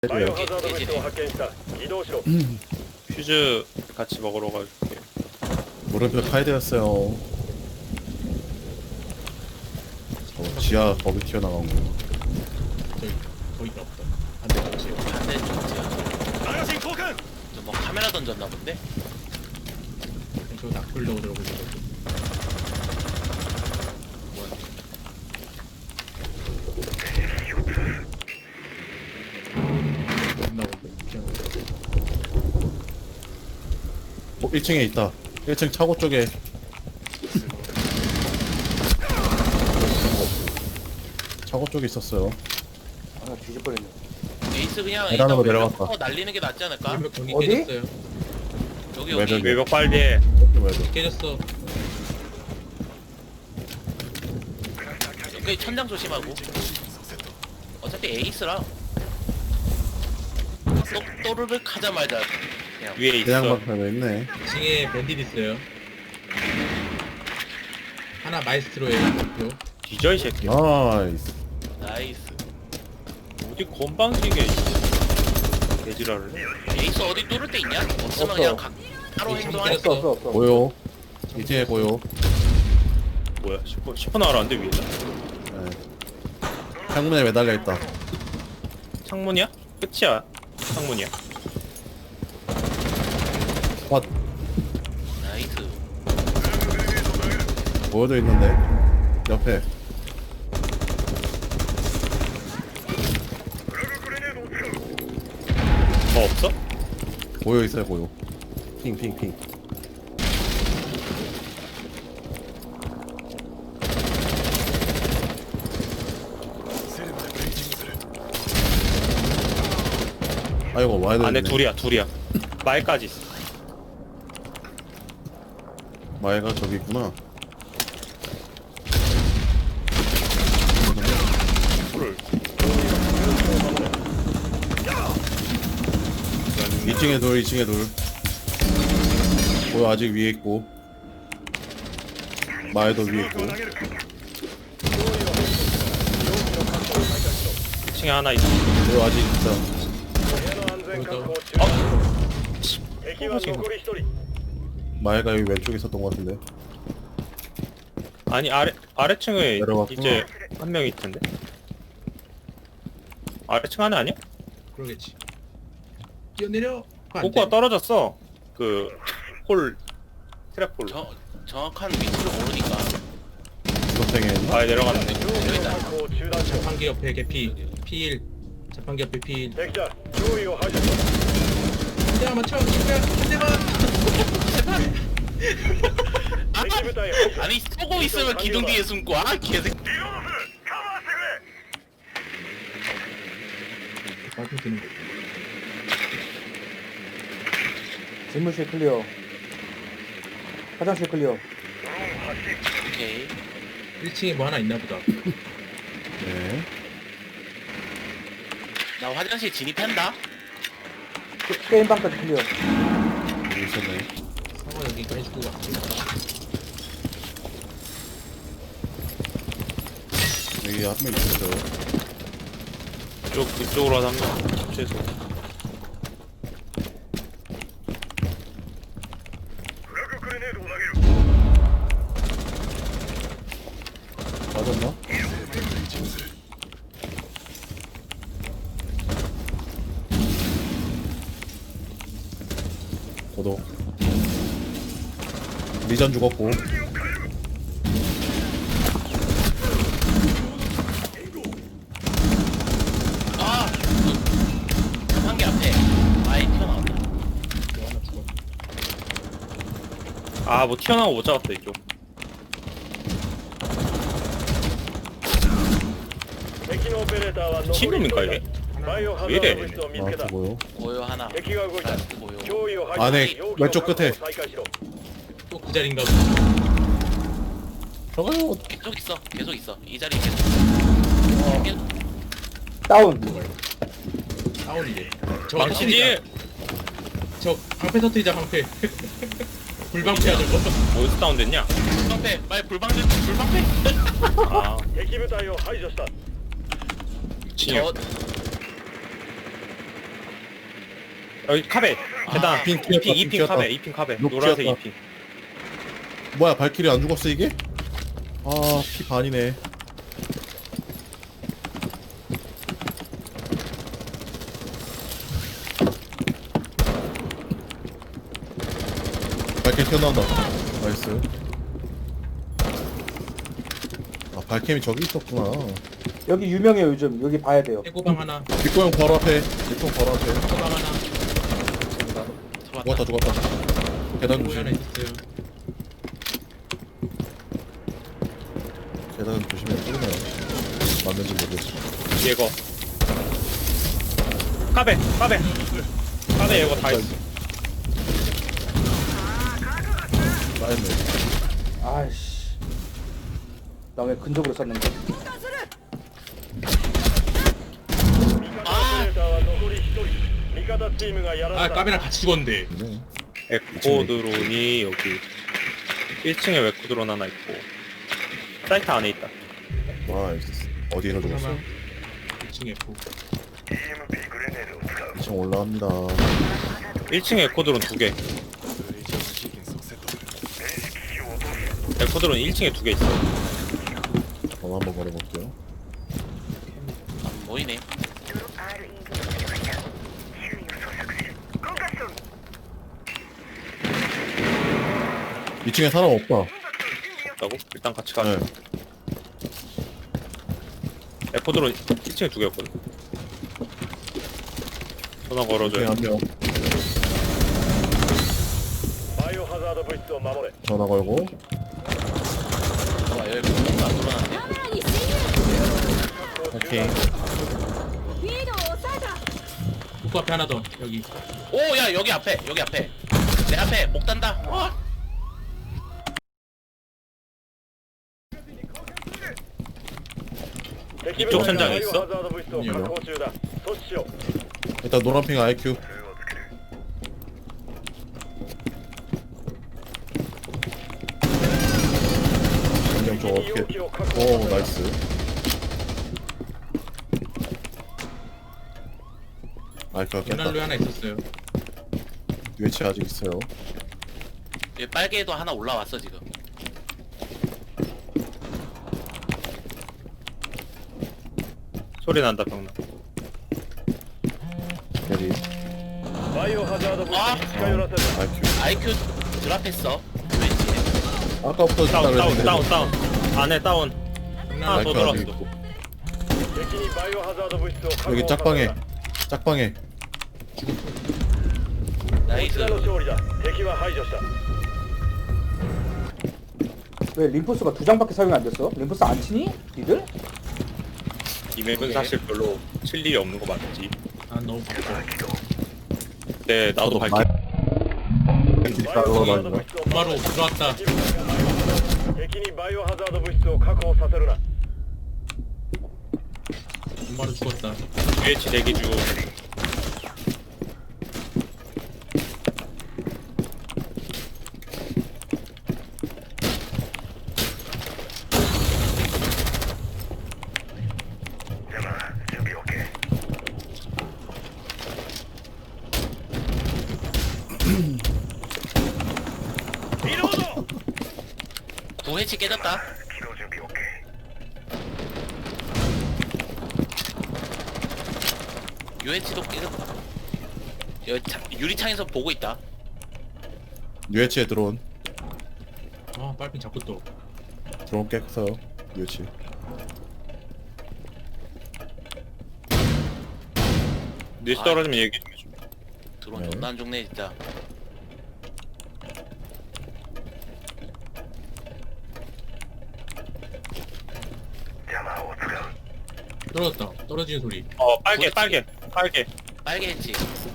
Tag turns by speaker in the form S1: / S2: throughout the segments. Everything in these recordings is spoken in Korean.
S1: 해줘요.
S2: 퓨즈 같이 먹으러 갈게.
S1: 물음표 카이드였어요. 지하 거기 튀어나간 거.
S3: 거기가 없다. 반대 거지.
S4: 반대쪽 지하. 저뭐 카메라 던졌나 본데?
S3: 저 낙불로 들어오고 있는 거지.
S1: 어, 1층에 있다. 1층 차고 쪽에. 차고 쪽에 있었어요.
S5: 아 뒤집어졌네.
S4: 에이스 그냥
S1: 계단으로
S4: 일단
S1: 내려갔다.
S4: 외벽 날리는 게 낫지 않을까?
S3: 외벽 경기
S5: 어디?
S3: 깨졌어요.
S4: 여기
S1: 외벽.
S4: 여기
S2: 외벽 빨리해.
S1: 왜죠?
S3: 깨졌어.
S4: 여기 천장 조심하고. 어차피 에이스라. 또르륵 하자마자 그냥
S2: 위에 있어.
S1: 그냥 막혀져 있네.
S3: 2층에 밴딧 있어요. 하나 마이스트로예요. 목표.
S2: 뒤져 이 새끼.
S1: 나이스.
S4: 나이스.
S2: 어디 건방지게 개지랄을 해.
S4: 에이스 어디 뚫을 데 있냐? 없으면
S5: 없어.
S4: 그냥 따로
S3: 에이스
S4: 행동할
S5: 없어 없어 없어.
S1: 보여. 이제 보여.
S2: 뭐야? 10분 나가라는데 위에.
S1: 네. 창문에 매달려 있다.
S2: 창문이야? 끝이야. 창문이야.
S1: 컷.
S4: 나이스.
S1: 보여져 있는데. 옆에.
S2: 더 없어?
S1: 보여 있어요, 보여. 핑, 핑, 핑. 아이고, 와야
S2: 안에
S1: 되네.
S2: 둘이야. 말까지 있어.
S1: 마애가 저기 있구나.
S2: 풀을.
S1: 2층에 돌, 2층에 돌. 보여 아직 위에 있고. 마애도 위에 있고.
S2: 2층에 하나 있어.
S1: 보여 아직 있다. 마애가 여기 왼쪽에 있었던 것 같은데.
S2: 아니 아래층에
S1: 내려갔구나.
S2: 이제 한 명 있던데. 아래층 하나 아니야?
S3: 그러겠지. 뛰어내려.
S2: 꼬꼬가 떨어졌어. 그 홀 트랩 홀.
S4: 정확한 위치를 모르니까.
S1: 주석탱에 있나?
S2: 아예 내려갔네.
S4: 여기다.
S3: 자판기 옆에 개피. P1. 자판기 옆에 P1. 한 대만 맞춰. 친구야. 한 대만.
S4: 아니 쏘고 있으면 기둥 뒤에 숨고 아 개새끼.
S3: 맞춤 드는 거.
S5: 집무실 클리어. 화장실 클리어.
S4: 오케이.
S3: 1층에 뭐 하나 있나 보다.
S1: 네.
S4: 나 화장실 진입한다.
S5: 게임방까지 클리어.
S1: 여기 있었네.
S3: 상어 여기가 해주고 갈게.
S1: 여기 한 명 있었어요.
S2: 이쪽으로 한 명. 최소.
S1: 맞았나? 저도 리전 죽었고.
S4: 아! 한 개 앞에 아예 튀어나왔다.
S3: 뭐 하나 죽어.
S2: 아 뭐 튀어나오고 못 잡았다 이쪽. 미친놈인가 이게? 왜 이래?
S1: 아, 저거요.
S4: 고요 하나. 라스트 고요.
S1: 안에 왼쪽 끝에.
S3: 또 그 자리인가 보다.
S1: 저거요.
S4: 계속 있어. 이 자리 계속.
S5: 다운.
S3: 다운이래. 저
S2: 망치지.
S3: 저 방패 터뜨리자 방패. 불방패야 저거.
S2: 어디서 다운됐냐?
S4: 불방패. 빨리 불방패. 불방패.
S2: 아
S4: 저
S2: 여기 카베 계단
S1: 핑
S2: 2핑
S1: 튀었다,
S2: 2핑
S1: 튀었다.
S2: 카베 2핑 카베
S1: 녹
S2: 노란색
S1: 튀었다.
S2: 2핑.
S1: 뭐야 발키리 안 죽었어 이게? 아 피 반이네. 발키리 튀어나온다. 나이스. 아 발캠이 저기 있었구나.
S5: 여기 유명해요 요즘. 여기 봐야 돼요.
S3: 해고방 하나.
S1: 뒷고 형 바로 앞에. 뒷고 바로 앞에.
S3: 해고방 하나.
S1: 죽었다 죽었다. 계단
S3: 해고 하나
S1: 조심.
S3: 있었어요.
S1: 계단 조심해. 뚫으면 맞는지 모르겠어.
S2: 예거 카베 예거 다 있어.
S1: 쌓였네.
S5: 아이씨. 나 왜 근접으로 쐈는데?
S3: 아 까비랑 같이 죽었는데.
S1: 네.
S2: 에코 드론이 여기 1층에 에코 드론 하나 있고 사이트 안에 있다.
S1: 와 어디에서 죽었어?
S3: 하나. 2층 F.
S1: 2층 올라갑니다.
S2: 1층에 에코 드론 2개. 에코 드론 1층에 2개 있어.
S1: 전화 한번 걸어볼게요.
S4: 안 보이네.
S1: 2층에 사람 없다.
S2: 있다고? 일단 같이 가자.
S1: 네.
S2: 에코 드론 1층에 2개였거든. 전화
S1: 2층에
S2: 걸어줘요.
S1: 한 명. 전화 걸고.
S4: 와 여기 뭔가 안 돌아놨네.
S1: 오케이.
S3: 복구 앞에 하나 더. 여기.
S4: 오야 여기 앞에 내 앞에 목 단다. 와.
S2: 이쪽 천장에 있어?
S1: 일단 노란핑 IQ. 안녕 저 어떻게? 오 나이스. IQ가 깼다.
S3: 연날루에 하나 있었어요.
S1: UH 아직 있어요.
S4: 여기 빨개도 하나 올라왔어 지금.
S2: 소리 난다 병나.
S1: 대리.
S4: 아
S1: IQ.
S4: IQ 드랍했어. 왠지.
S1: 아까부터
S2: 다운
S1: 그랬는데.
S2: 다운 안에 다운 하나 더
S1: IQ
S2: 들어왔어.
S1: 아직 있고. 여기 짝방에. 짝방에.
S4: 나이스.
S5: 왜 림포스가 2장밖에 사용이 안 됐어? 림포스 안 치니? 니들?
S2: 이 맵은 사실 별로 칠 일이 없는 거 맞지?
S3: 난 너무 바빠.
S2: 네 나도 밝히
S1: 올라가는
S3: 바로 들어왔다. 바로 죽었다.
S2: UH 대기 중.
S4: 구해치 깨졌다. UH도 깨졌다. 여기 유리창에서 보고 있다.
S1: UH에 드론.
S3: 아 빨핀 자꾸 또.
S1: 드론 깼어요. UH.
S2: 뉴스 떨어지면 얘기 좀 해줘.
S4: 드론
S1: 네.
S4: 존나 안 죽네 진짜.
S3: 떨어졌다. 떨어지는 소리.
S2: 빨개
S4: 빨개 했지.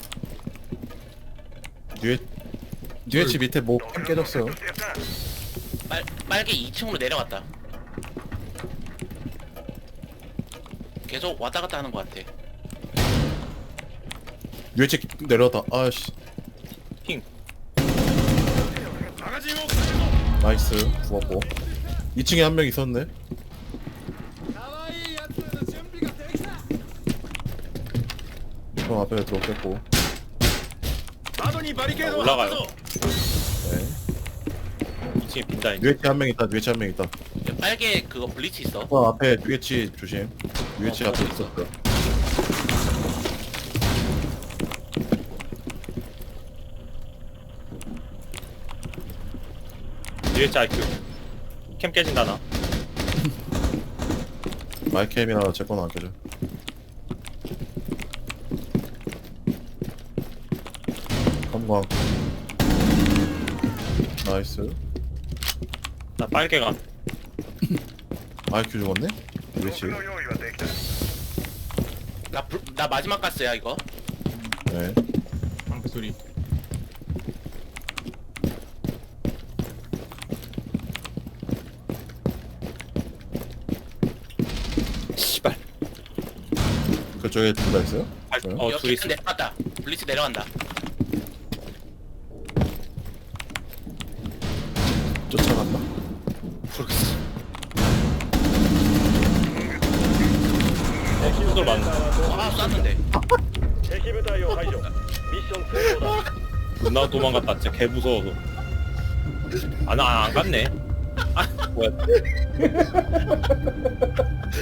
S1: UH 밑에 뭐 깨졌어요.
S4: 빨개 2층으로 내려갔다. 계속 왔다 갔다 하는 것 같아.
S1: UH 내려왔다. 아씨.
S2: 핑.
S1: 나이스. 죽었고. 2층에 한 명 있었네. 형 앞에 드론 깼고.
S4: 窓にバリケードを
S2: 올라가요.
S4: 張ったぞ
S1: 네.
S2: 2층에 빈다 이제.
S1: UH 한 명 있다. UH 한 명 있다.
S3: 빨개 그거 블리치 있어.
S1: 앞에 UH 조심. UH 앞에 있었어.
S2: UH IQ. 캠 깨진다 나.
S1: 마이캠이라 제건 안 껴줘. 검광. 나이스.
S2: 나 빨개가.
S1: IQ 죽었네? UH.
S4: 用意はできた
S3: 나 마지막 가스야 이거.
S1: 네.
S6: 방패 소리.
S2: 씨발.
S1: 그쪽에 둘 다 있어요? 그래요?
S2: 둘이 있어.
S3: 내려간다. 블리치 내려간다.
S1: 쫓아갔나?
S2: 모르겠어. 후들 맞는다.
S3: 아 쐈는데.
S4: 敵部隊を排除ミッション成功だ
S2: 존나 도망갔다. 진짜 개 무서워서. 아, 나 안 갔네. 아, 뭐야.